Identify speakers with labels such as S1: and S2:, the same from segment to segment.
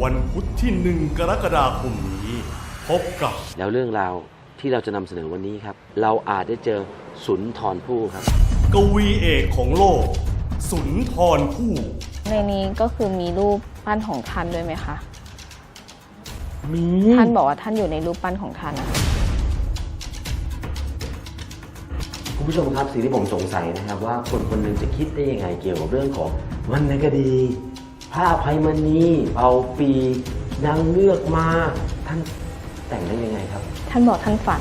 S1: วันพุธที่1 กรกฎาคมนี้พบกับ
S2: แล้วเรื่องราวที่เราจะนำเสนอวันนี้ครับเราอาจได้เจอสุนทรภู่ครับ
S1: กวีเอกของโลกสุนทรภู่
S3: ในนี้ก็คือมีรูปปั้นของท่านด้วยไหมคะ
S2: มี
S3: ท่านบอกว่าท่านอยู่ในรูปปั้นของท่านนะคะ
S2: คุณผู้ชมครับสิ่งที่ผมสงสัยนะครับว่าคนคนหนึ่งจะคิดได้ยังไงเกี่ยวกับเรื่องของวรรณคดีผ้าไพมณีเอาปีนางเงือกมาท่านแต่งได้ยังไงครับ
S3: ท่านบอกท่านฝัน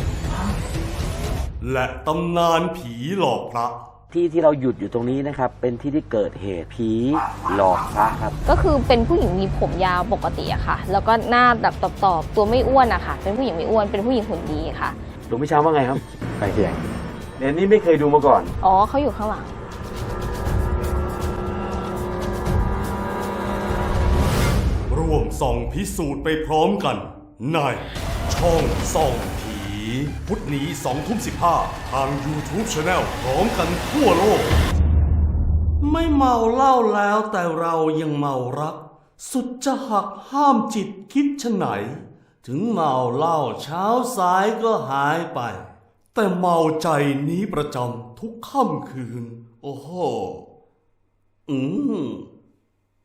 S1: และตำนานผีหลอกพระ
S2: ที่เราหยุดอยู่ตรงนี้นะครับเป็นที่ที่เกิดเหตุผีหลอกพระครับ
S3: ก็คือเป็นผู้หญิงมีผมยาวปกติอะค่ะแล้วก็หน้าแบบตอบตัวไม่อ้วนอะค่ะเป็นผู้หญิงไม่อ้วนเป็นผู้หญิงหุ่นดีค่ะ
S2: หลวงพี่ช้างว่าไงครับใครเคียงเนี่ยนี่ไม่เคยดูมาก่อน
S3: อ๋อเขาอยู่ข้างหลัง
S1: ร่วมส่องพิสูจน์ไปพร้อมกันในช่องส่องผีพุธนี้ 20:15 ทาง YouTube Channel พร้อมกันทั่วโลกไม่เมาเหล้าแล้วแต่เรายังเมารักสุดจะหักห้ามจิตคิดชะไหนถึงเมาเหล้าเช้าสายก็หายไปแต่เมาใจนี้ประจำทุกค่ำคืนโอ้โห